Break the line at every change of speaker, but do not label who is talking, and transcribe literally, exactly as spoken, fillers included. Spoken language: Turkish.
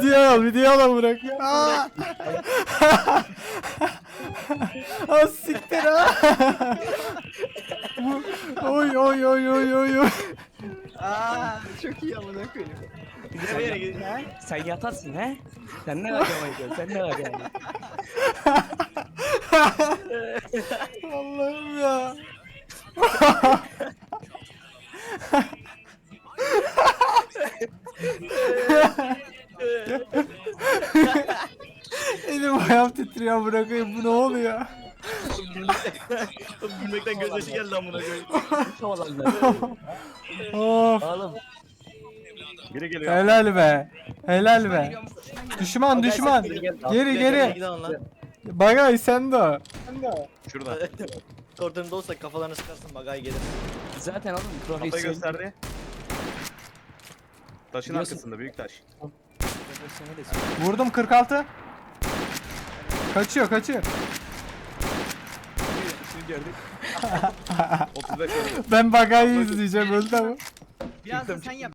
Video al, video al bırak. Aa. Az siktir ha. Oy oy oy oy oy oy.
Aa, çok iyi amına koyayım.
Sen, yat- sen yatarsın he? Sen ne kaçamayın? Sen ne kaçamayın?
Allah'ım ya. Elim ayağım titriyor, bırakayım, bu ne oluyor?
Gülmekten gözyaşı geldi amına koyayım. Havalanlar.
Of,
Oğlum. Biri geliyor.
helal be, helal be. Düşman düşman, geri geri.
Gidin lan.
Bagay sen de o.
Şurada.
Koridorunda olsa kafalarını sıkarsın bagay gelir.
Zaten oğlum
Kafayı
profesyonel.
gösterdi. Taşın
Biliyorsun.
arkasında büyük taş.
Profesyonel de-
Vurdum kırk altı. Kaçıyor kaçıyor.
Şimdi gördük.
otuz beş oldu.
Ben Bagay'ı izleyeceğim, öldü ama.
Biraz da sen yap.